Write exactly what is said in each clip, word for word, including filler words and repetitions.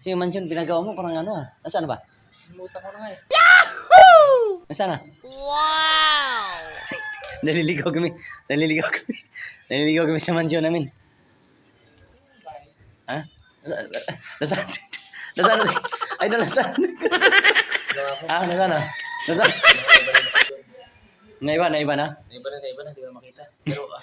Kasi yung mansion pinagawa mo parang ano ah. Nasaan ba? Limutan ko na nga eh. Nasaan na? Wow! Naliligaw kami. Naliligaw kami. Naliligaw kami sa mansion namin. Ha? Nasaan? Nasaan? Ay, na nasaan? Ah, nasaan na? Nasaan? Naiba, naiba na? Naiba na, naiba na. Hindi ko na makita. Pero ah.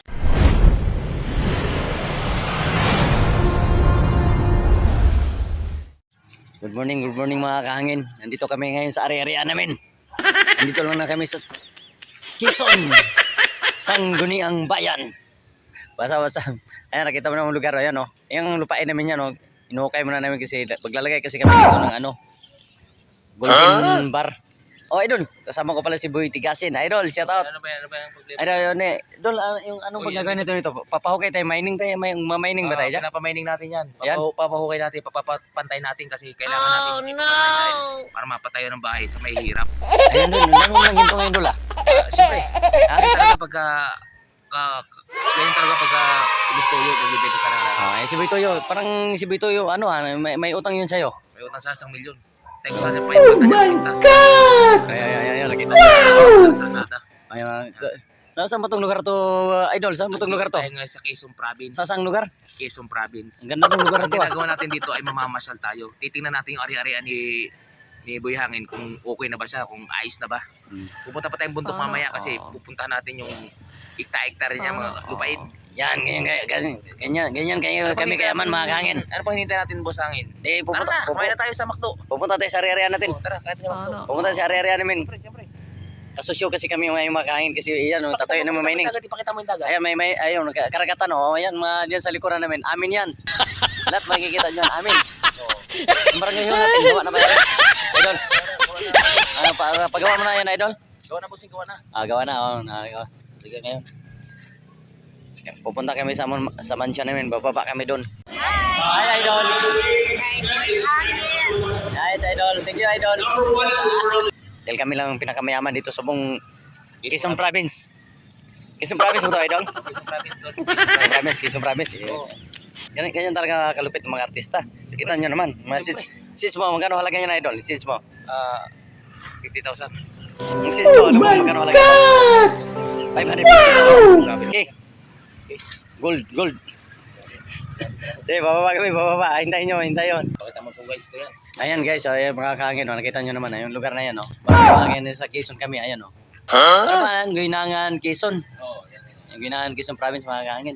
Good morning, good morning mga kahangin. Nandito kami ngayon sa area-area namin. Nandito lang na kami sa Quezon, Sangguniang Bayan. Basa-basa. Ayan, nakita mo na ang lugar. Ayan, oh. Yung lupain namin yan, oh. Inuhukay muna namin kasi maglalagay kasi kami dito ng ano, Golden Bar. Oh, idol. Kasama ko pala si Boy Tigasin. Idol, shout out. Ano ba yan? Ano ba yung problema? Idol, yun eh. Idol, uh, yung anong pagkagawin nito nito? Papahukay tayo, mining tayo, may ma-mining ba tayo dyan? Pinapamining natin yan. Yan? Papahu- Papahukay natin, papapantay natin kasi kailangan natin hindi no! para mapatayo ng bahay sa may hirap. Ayun dun, ang dami lang ginto ngayon dul ah. Uh, Siyempre, ganyan talaga pagka, uh, ganyan talaga pagka gusto yun, pagbibenta sa nila. Ah, eh, si Boy Toyo, parang si Boy Toyo, ano ah, may, may utang yun sa'yo. May utang sa isang milyon. Sabi ko sa kanya pa yung banta niya pintas. Ay, ay, ay, ay, nakita. Sa Lazada. Ay, uh, sa saan mo tong lugar to, uh, idol? Saan mo tong lugar to? Tayo ngayon sa Quezon Province. Sa saang lugar? Quezon Province. Ang ganda ng lugar Ang to ah. ginagawa natin dito ay mamamasyal tayo. Titingnan natin yung ari-arian ni ni Boy Hangin kung okay na ba siya, kung ayos na ba. Hmm. Pupunta pa tayong bundok mamaya kasi pupuntahan natin yung ikta-iktar niya mga lupain. Yan, ganyan, ganyan, ganyan, ganyan kayo, Ano kami pang kayaman hinihintay mga natin? kahangin. Ano pang hinihintay natin, Boss Hangin? Eh, Tara pupunta, na, pupunta, kumain na tayo sa McDo. pupunta tayo sa area-area natin. Oh, tara, kahit sa McDo. Pupunta tayo sa area-area namin. Siyempre, siyempre. Kasusyo kasi kami mga mga kahangin kasi yan, oh, tatoy na mining. Dagat, ipakita mo yung dagat. Ayan, may, may, ayun, karagatan, oh, ayan, mga diyan sa likuran namin. Amin yan. Lahat makikita dyan, amin. Ang barangay yun natin, gawa na ba yan? Idol, ano, pa, pagawa mo na yan, idol? Gawa na, bossing, gawa na. Ah, gawa na, oh, na, gawa. Sige ngayon. Pupunta kami sa, sa mansion namin, bababa kami doon. Hi! Hi, idol! Nice, idol. Thank you, idol. Dahil kami lang ang pinakamayaman dito sa buong Quezon Province. Quezon Province mo to, idol? Quezon Province, tol. Quezon Province, Quezon Province. Eh. Oo. Ganyan, ganyan talaga kalupit ng mga artista. So, kita nyo naman. Mga sis, sis mo, magkano halaga niya na, idol? Sis mo. Ah, fifty thousand. Yung sis ko, ano mo, magkano halaga niya? five hundred fifty thousand. Okay. Gold, gold. Sige, bababa kami, bababa. Hintayin nyo, hintayin yun. Pakita mo sa guys, ito yan. Ayan guys, oh, ayan, mga kahangin, oh, nakita nyo naman, yung lugar na yan, oh. Mga kahangin sa Quezon kami, ayan, oh. Ano ba, ang Guinangan, Quezon. Oo, yan, yan. Yung Guinangan, Quezon Province, mga kahangin.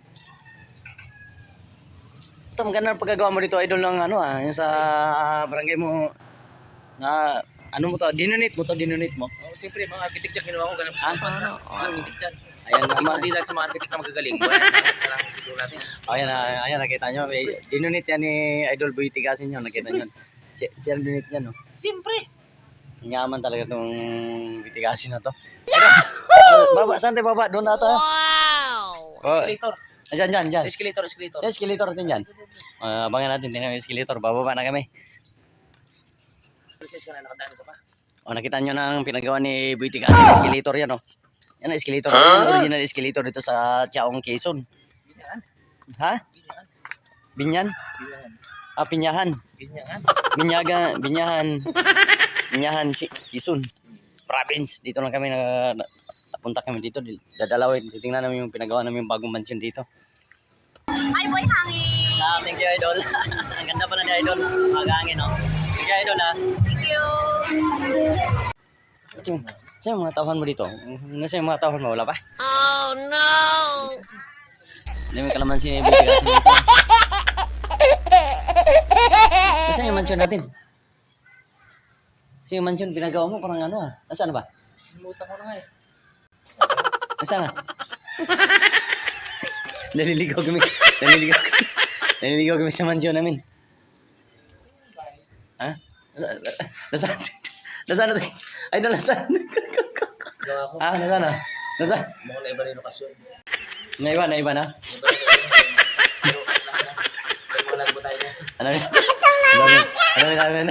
Ito, maganda ang pagkagawa mo dito, idol, ng ano, ah, yung sa barangay mo, na, ano mo to, dinunit mo to, dinunit mo. Oh, siyempre, mga architect dyan, ginawa ko ganun sa Ah, bansa. oo. Mga architect dyan. Ayan, Kasi naman. hindi lang sa mga architect na magagaling. Wala na lang siguro natin. Oh, ayan, ah, ayan, nakita nyo, may, dinunit yan ni Idol Boy Tigasin yun, nakita nyo. Si, siya ang dinunit yan, oh. Siyempre. Ang yaman talaga itong bitigasin na to. Ano, baba, saan tayo baba? Doon na tayo. Wow! Oh, Escalator. dyan, dyan, dyan. Sa escalator, escalator. Yung escalator natin dyan. Uh, abangan natin, tingnan yung escalator. Bababa na kami. Princess ka na, nakadaan ka pa. O, nakita nyo na ang pinagawa ni Boy Tigasin. Escalator yan, oh. Yan ang escalator. Yan ang original escalator dito sa Chaong Quezon. Binyan. Ha? Binyan. Binyan? Binyan. Ah, Pinyahan. Binyan. Binyaga, Binyahan. Binyahan, si Quezon. Province. Dito lang kami na, na napunta kami dito. Dadalawin. Tingnan namin yung pinagawa namin yung bagong mansion dito. Hi, Boy Hangin! Ah, thank you, idol. Ang ganda pala ni idol. Magangin, no? Thank you, idol, ha? Thank you! Ito, saan yung mga tauhan mo dito? Nasa yung mga tauhan mo? Wala pa? Oh, no! Hindi may kalamansi na ibig dito. Nasaan yung mansion natin? Kasi yung mansion pinagawa mo parang ano ah. Nasaan ba? Limutan ko na nga eh. Nasaan na? Naliligaw kami. Naliligaw kami. Naliligaw kami sa mansion namin. Ha? Nasaan? Nasaan na tayo? Ay, nasaan? Gawa ko. Ah, nasaan na? Nasaan? Mukhang na iba na yung lokasyon. Naiba, naiba na? Iba na yung lokasyon. Pero, sa mga lagbo tayo niya. Ano yun? Ano yun? Ano yun? Ano yun?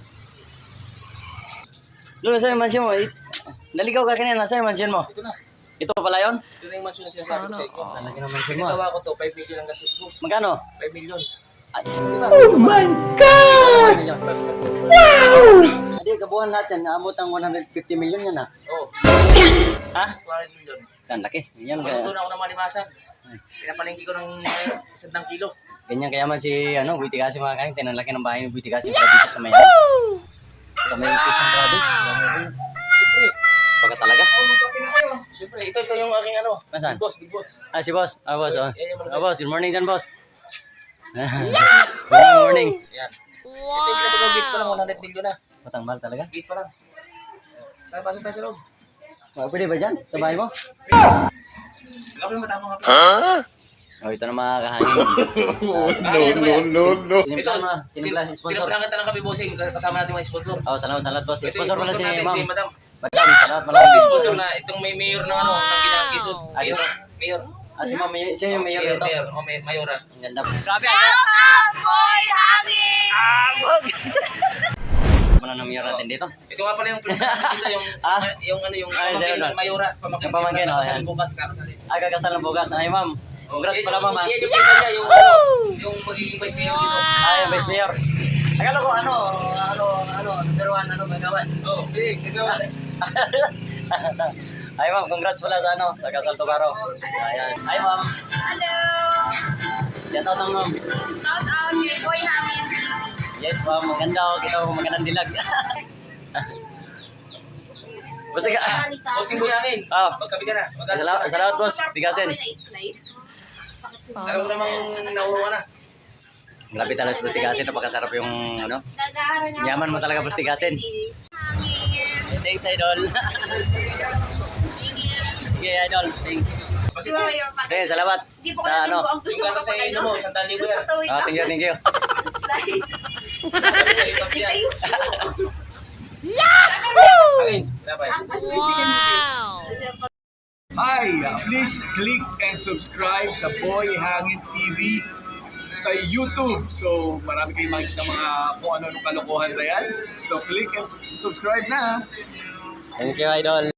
Lolo, saan yung mansion mo? Eh, naligaw ka kanina. Saan yung mansion mo? Ito na. Ito pala yun? Ito na yung mansion na sinasabi ko sa inyo. Lalaki naman siya mo. Nagawa ko to, five million ang gastos ko. Magkano? five million. Ay, Oh my God! Hindi, kabuhan lahat yan. Naabot ang one hundred fifty million yan ah. Oh, Ha? two hundred million. Yan, laki. Yan, Maluto kaya, na ako ng malimasag. Pinapalengke ko ng uh, isang kilo. ganyan kayaman si, ano, Buiti kasi mga kain. Tinanlaki ng bahay ni Buiti kasi para dito sa Mayan. Sa Mayan Quezon Province. Siyempre. Baka talaga. Oh, magkape na kayo. Siyempre, ito, ito yung aking ano. Nasaan? Big boss, big boss. Ah, si boss. Ah, boss. Oh. Yan yung malupit. Ah, boss. Good morning dyan, boss. Good morning. Yan. Ito yung pinapagawa gate pa lang, one hundred million na. Matang mahal talaga. Gate pa lang. Tara, pasok tayo sa loob. Ah, pwede ba dyan? Sa bahay mo? Wala ko yung matapang kape. Oh, ito na mga kahangin. No, no, no. Tinimpla mo. Tinimpla, sponsor. Pinaprangan ka ng kape bossing. Kasama natin mga sponsor. Oh, salamat, salamat, boss. Ito yung Sponsor pala si natin, ma'am. si madam. Madam, salamat, Yung malaking sponsor na itong may mayor ng ano, ng Kinakisod. Ah, Mayor. dito? Mayor. Ah, si ma'am, may- siya yung mayor Mayor, nito. mayor. Oh, may mayora. Ang ganda. Shout out, Boy Hangin! Muna ng mayor natin dito. Ito nga pala yung pinaka dito yung Ah? yung ano yung Ah, pamangkin sino ng doon? mayora, pamangkin. Yung pamangkin, oh, Kasal yan. bukas, kakasalin. Ah, kakasal ng bukas. Ay, ma'am. Congrats Yan pala, yung- ma'am. ah. Yan yung pinsan niya, yung ano, yung magiging vice mayor dito. Ah, yung vice mayor. Akala ko ano, ano, ano, number one, ano, magawan. Oh, big, nagawa. Ay, ma'am, congrats pala sa ano, sa Kasal Tugaro. Ayan. Ay, ma'am. Hello! Shout out ng ma'am. Shout out kay Boy Hangin T V. Yes, ma'am. Maganda ako. Kita ko magandang dilag. Basta ka. Bossing Buyangin. Ah. Magkape ka na. Mag-alas Salamat, ka na. salamat, boss. Tigasin. Alam mo namang nauwa na. Grabe talaga sa Tigasin. Napakasarap yung, ano. Yaman mo talaga, boss Tigasin. Hangin. Thanks, idol. Sige, idol. Thanks. Kasi Di ba yung pag- Sige, salamat. Di po Sa ka ano. ang gusto yung mo gata sa kapag inyo mo, isang tali mo yan. Ah, thank you, thank you. Tapos sa ibang yan. Hangin. Dapat. Hi! uh, Please click and subscribe sa Boy Hangin T V sa YouTube. So, marami kayong makikita ng mga kung ano-ano kalokohan na yan. So, click and sub- subscribe na! Thank you, idol.